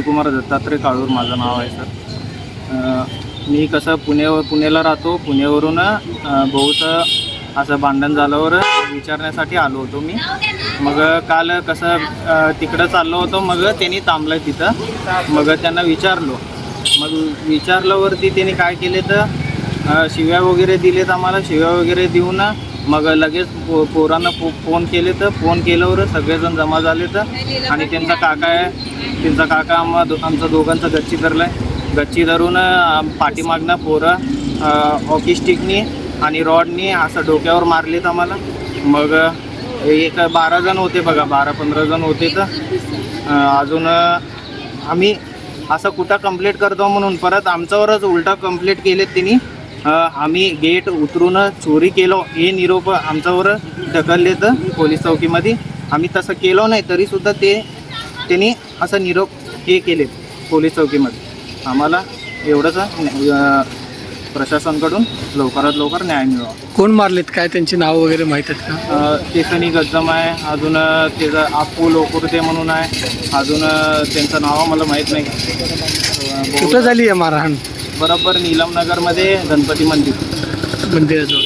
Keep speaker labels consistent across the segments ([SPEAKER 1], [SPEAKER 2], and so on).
[SPEAKER 1] विजयकुमार दत्तात्रय काळूर माझं नाव आहे सर. मी कसं पुण्याला राहतो. पुण्यावरून भाऊचं असं भांडण झाल्यावर विचारण्यासाठी आलो होतो मी. मग काल कसं तिकडं चाललो होतो. मग त्यांनी थांबलं तिथं. मग त्यांना विचारलो. मग विचारल्यावरती त्यांनी काय केले तर शिव्या वगैरे दिलेत आम्हाला. शिव्या वगैरे देऊन मग लगेच पोरांना फोन केले. तर फोन केल्यावर सगळेजण जमा झाले. तर आणि त्यांचा काका आहे. त्यांचा काका आमचं दोघांचं गच्ची धरलं आहे. गच्ची धरून पाठीमागनं पोरं हॉकी स्टिकनी आणि रॉडनी असं डोक्यावर मारलेत आम्हाला. मग एक 12 जण होते बघा, 12-15 जण होते. तर अजून आम्ही असं कुठं कंप्लेंट करतो म्हणून परत आमच्यावरच उलटा कंप्लेंट केलेत त्यांनी. आम्ही गेट उतरून चोरी केलो हे निरोप आमच्यावर ढकलले. तर पोलीस चौकीमध्ये आम्ही तसं केलो नाही तरीसुद्धा त्यांनी असं निरोप हे केले पोलीस चौकीमध्ये. आम्हाला एवढंच प्रशासनाकडून लवकरात लवकर न्याय मिळावा.
[SPEAKER 2] कोण मारलेत, काय त्यांची नाव वगैरे माहीत आहेत का?
[SPEAKER 1] केसनी गज्जम आहे. अजून त्याचं आपू लोकुर्ते म्हणून आहे. अजून त्यांचं नाव मला माहीत नाही.
[SPEAKER 2] कुठं झाली आहे मारहाण?
[SPEAKER 1] बरोबर नीलमनगरमध्ये गणपती
[SPEAKER 2] मंदिराजवळ.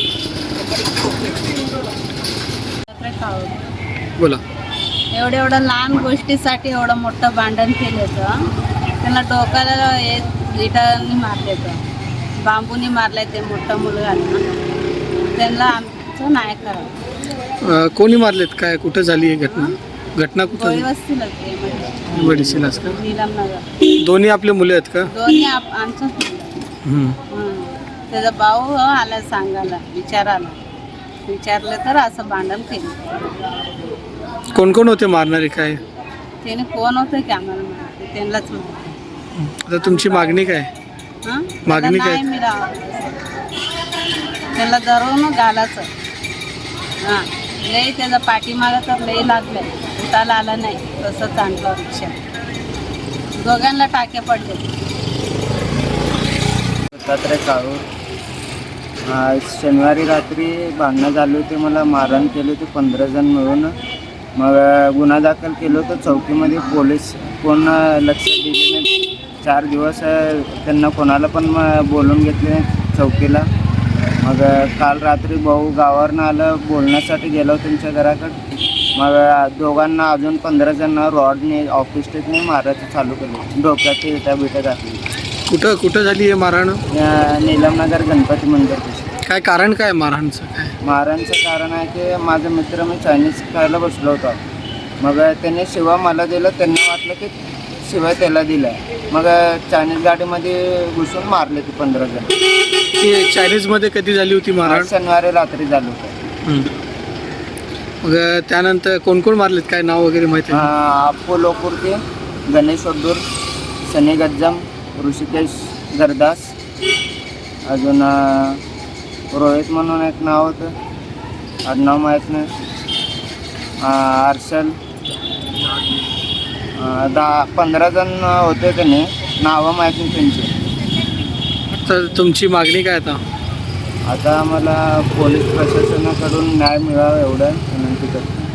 [SPEAKER 2] बोला.
[SPEAKER 3] एवढं लहान गोष्टीसाठी एवढं मोठं भांडण केलं तर त्यांना डोक्याला इटांनी मारले. तर बांबूनी मारले. ते मोठं मुलगा त्यांना आमचं नाही करावं.
[SPEAKER 2] कोणी मारलेत, काय कुठं झाली आहे घटना कुठं?
[SPEAKER 3] वस्तीला
[SPEAKER 2] वडीसीलाच का?
[SPEAKER 3] नीलमनगर.
[SPEAKER 2] दोन्ही आपले मुले आहेत का?
[SPEAKER 3] दोन्ही आमचंच मुलं. त्याचा भाऊ आला सांगायला, विचारलं तर असं भांडण केलं.
[SPEAKER 2] कोण कोण होते मारणारे, काय
[SPEAKER 3] त्याने कोण होतं की आम्हाला माहिती, त्यांनाच माहिती.
[SPEAKER 2] आता तुमची मागणी काय? मागणी काय?
[SPEAKER 3] नाही मिळावं त्याला धरून घालायचं. लई त्याचा पाठीमागं तर लई लागलं. उठायला आला नाही. तसंच आणलं रिक्षा. दोघांना टाके पडले.
[SPEAKER 1] दत्तात्रय काळूर. शनिवारी रात्री भांडणं झाली होती. मला मारहाण केली होती 15 जण मिळून. मग गुन्हा दाखल केलं होतं चौकीमध्ये. पोलीस कोण लक्ष दिले नाही. 4 दिवस त्यांना कोणाला पण बोलून घेतले चौकीला. मग काल रात्री भाऊ गावावरनं आलं, बोलण्यासाठी गेलो त्यांच्या घराकडे. मग दोघांना अजून 15 जणांना रॉडने ऑफिस स्टेटने मारायचं चालू केलं. डोक्यात इटा बिटा घातली.
[SPEAKER 2] कुठं झाली आहे मारहाण?
[SPEAKER 1] नीलमनगर गणपती मंदिर.
[SPEAKER 2] काय कारण काय मारहाणचं? काय
[SPEAKER 1] मारहाणचं कारण आहे की माझा मित्र मी चायनीज खायला बसलो होतो. मग त्याने शिवा मला दिलं. त्यांना वाटलं की शिवाय त्याला दिला. मग चायनीज गाडीमध्ये घुसून मारले ते 15 जण.
[SPEAKER 2] ती चायनीजमध्ये कधी झाली होती मारहाण?
[SPEAKER 1] शनिवारी रात्री झालं होतं.
[SPEAKER 2] मग त्यानंतर कोण कोण मारलेत, काय नाव वगैरे माहिती आहे?
[SPEAKER 1] आपू लोकुर्ते, गणेश ओड्डूर, सनी गज्जम, ऋषिकेश गरदास, अजून रोहित म्हणून एक नाव होतं, आडनाव माहीत नाही. अर्शल. 10-15 जण होते. त्याने नावं माहीत नाही त्यांची.
[SPEAKER 2] तर तुमची मागणी काय आता?
[SPEAKER 1] आता आम्हाला पोलीस प्रशासनाकडून न्याय मिळावा एवढं विनंती करतो.